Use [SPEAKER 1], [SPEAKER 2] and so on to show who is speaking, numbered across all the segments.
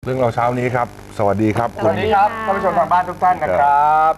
[SPEAKER 1] รื่องเราเช้านี้ครับสวัสดีครับ
[SPEAKER 2] สวัสดีครับท่านผู้ชมทางบ้านทุกท่านนะครับ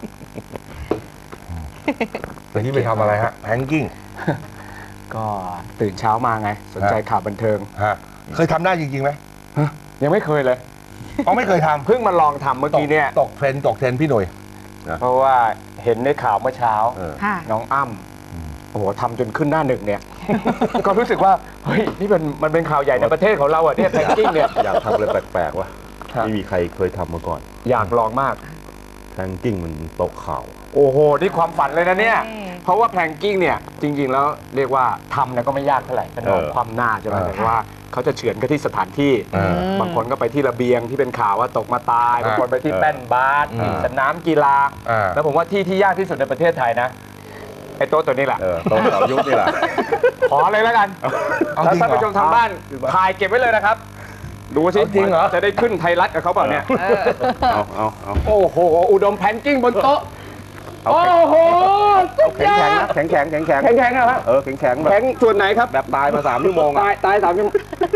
[SPEAKER 1] เมื่อกี้ไปทำอะไรฮะแฮงกิ้ง
[SPEAKER 2] ก็ตื่นเช้ามาไงสนใจข่าวบันเทิง
[SPEAKER 1] ฮะเคยทำได้จริงๆไหม
[SPEAKER 2] ยังไม่เคยเลย
[SPEAKER 1] อ๋อไม่เคยทำ
[SPEAKER 2] เพิ่งมาลองทำเมื่อกี้เนี่ย
[SPEAKER 1] ตกเทรนด์พี่หนุ่ย
[SPEAKER 2] เพราะว่าเห็นในข่าวเมื่อเช้า
[SPEAKER 3] ค่ะ
[SPEAKER 2] น้องอ้ำโอ้โหทำจนขึ้นหน้าหนึ่งเนี่ย ก็รู้สึกว่าเฮ้ยนี่มันเป็นข่าวใหญ่ในประเทศของเราอ่ะเนี่ยแพงกิ้งเนี่ย
[SPEAKER 4] อยากทำอะไรแปลกๆวะ
[SPEAKER 2] ครับ
[SPEAKER 4] ไม่มีใครเคยทำมาก่อน
[SPEAKER 2] อยากลองมาก
[SPEAKER 4] แพลงกิ้งมันโต๊ะข่าว
[SPEAKER 2] โอ้โหนี่ความฝันเลยนะเนี่ย
[SPEAKER 3] ใช่
[SPEAKER 2] เพราะว่าแพลงกิ้งเนี่ยจริงๆแล้วเรียกว่าทำเนี่ยก็ไม่ยากเท่าไหร่ก็นอน
[SPEAKER 4] เออ
[SPEAKER 2] คว่ำหน้าใช่ไหมแต่ว่าเขาจะเฉือนกันที่สถานที่ บางคนก็ไปที่ระเบียงที่เป็นข่าวว่าตกมาตาย บางคนไปที่แป้นบาสที่สนามกีฬา แล้วผมว่าที่ยากที่สุดในประเทศไทยนะไอ้โต๊ะตัวนี้แหละ
[SPEAKER 4] โต๊ะข่าวยุคนี่แหละ
[SPEAKER 2] ขอเลยแล้วกัน
[SPEAKER 1] เอา
[SPEAKER 2] แล้ว
[SPEAKER 1] จริง
[SPEAKER 2] ท่าน
[SPEAKER 1] เหรอ
[SPEAKER 2] ผู้ชมทางบ้านถ่ายเก็บไว้เลยนะครับ ดูสิ
[SPEAKER 1] เอาจริงเหรอ
[SPEAKER 2] จะได้ขึ้นไทยรัฐกับเขาเปล่าเนี่ย
[SPEAKER 4] เอา
[SPEAKER 2] โอ้โหอุดมแพนกิ้งบนโต๊ะโอ้โหสุดย
[SPEAKER 4] แข็ง
[SPEAKER 2] อ
[SPEAKER 4] ๆ
[SPEAKER 2] ด
[SPEAKER 4] นะแข็งๆแข็งๆ
[SPEAKER 2] แข็งๆนะครับ
[SPEAKER 4] แข็งๆแบบ
[SPEAKER 2] แข็งส่วนไหนครับ
[SPEAKER 4] แบบตายมา3 ชั่วโมง
[SPEAKER 2] ตายตาย3 ชั่วโมง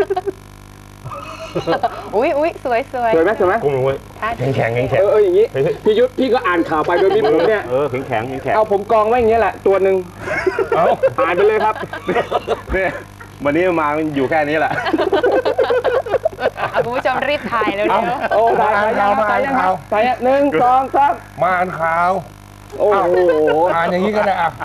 [SPEAKER 3] อุ้ยสวย
[SPEAKER 2] สวยไหมสวยไหม
[SPEAKER 4] กุ้งลงไว้
[SPEAKER 3] ค่ะ
[SPEAKER 4] แข็งๆแข็ง
[SPEAKER 2] อย่างนี้พี่ยุทธพี่ก็อ่านข่าวไปโดยมีผมเนี่ย
[SPEAKER 4] ๆแข็งๆแข็ง
[SPEAKER 2] เอาผมกองไว้อย่างเงี้ยแหละตัวหนึ่งอ่านไปเลยครับ
[SPEAKER 4] ๆเนี่ยวันนี้มามันอยู่แค่นี้แหละ
[SPEAKER 3] เอาคุณผู้ชมรีบถ่ายเร็ว
[SPEAKER 2] โอ้ตายยังตายยังตายยัง1 2 3
[SPEAKER 1] มาอ่านข่าว
[SPEAKER 2] โอ้โห
[SPEAKER 1] อ่านอย่างนี้ก็ได้อ่ะ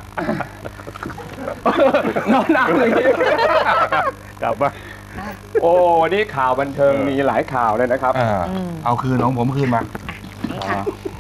[SPEAKER 2] นอนอ่านอย่างนี้
[SPEAKER 4] กลับมา
[SPEAKER 2] โอ้วันนี้ข่าวบันเทิงมีหลายข่าวเลยนะครับ
[SPEAKER 1] เอาคืนของผมคืนมา
[SPEAKER 3] ๆนี่ค่ะ